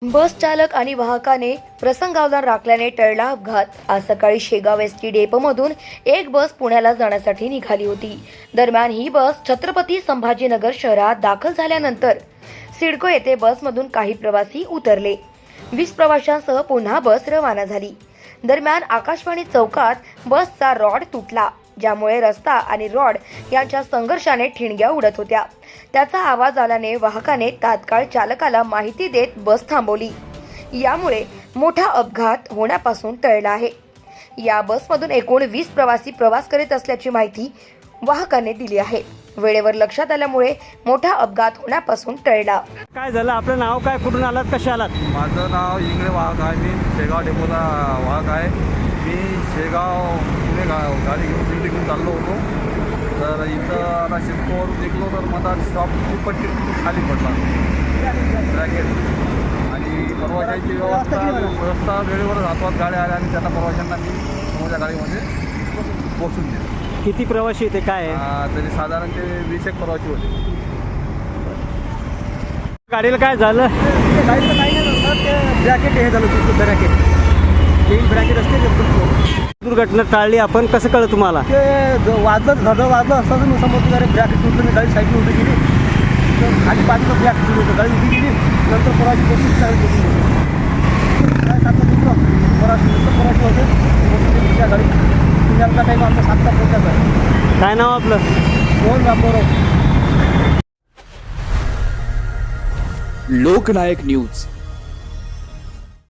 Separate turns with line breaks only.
बस चालक आणि वाहकाने प्रसंगावधान राखल्याने टळला अपघात। आज सकाळी शेगाव एसटी डेपोमधून एक बस पुण्याला जाण्यासाठी निघाली होती। दरम्यान ही बस छत्रपती संभाजीनगर शहरात दाखल झाल्यानंतर सिडको येथे बसमधून काही प्रवासी उतरले। 20 प्रवाशांसह पुन्हा बस रवाना झाली। दरम्यान आकाशवाणी चौकात बसचा रॉड तुटला, ज्यामुळे रस्ता आणि रॉड यांच्या संघर्षाने ठिणग्या उडत होत्या। त्याचा आवाज आल्याने वाहकाने तात्काळ चालकाला माहिती देत बस थांबवली। यामुळे मोठा अपघात होण्यापासून टळला आहे। या बसमधून एकूण 20 प्रवासी प्रवास करीत असल्याची माहिती वाहकाने दिली आहे। वेळेवर लक्षात आल्यामुळे मोठा अपघात होण्यापासून टळला।
काय झालं? आपलं नाव काय, कुठून आलात, कसे आलात?
माझं नाव इंगळे वाहक आहे। मी शेगाव डेपोचा वाहक आहे। मी शेगाव पुणे गाडी घेऊन दिल्ली घेऊन चाललो होतो। तर इथं आता शिरकोवर निघलो तर मला स्टॉप पट्टी खाली पडला ब्रॅकेट आणि प्रवाशांची व्यवस्था वेळेवर हातवात गाड्या आल्या आणि त्यांना प्रवाशांना मी समोरच्या गाडीमध्ये पोचून दिले।
किती प्रवासी येते काय आहे?
तरी साधारण ते 20 एक प्रवासी होते।
गाडीला काय झालं?
गाडीला काही नाही झालं, ते ब्रॅकेट हे झालं होतं, ब्रॅकेट असते ते
दुर्घटना टाळली आपण, कसं कळलं तुम्हाला?
वाजलं वाजलं असतं मी समोर गाडी ब्रॅकेट तुटलं, मी गाडी साईडला उभी गेली, तर खाली बाजूला ब्रॅकेट तुटलं होतं, गाडी उभी गेली, नंतर प्रवासी बसून चालू होती। काय सांगतो तुमचं प्रवासी होते दुसऱ्या गाडी पुण्याचा टाईम आमचा 7चा पोहोचायचा आहे।
काय नाव आपलं?
कोण रामभाऊ?
लोकनायक न्यूज।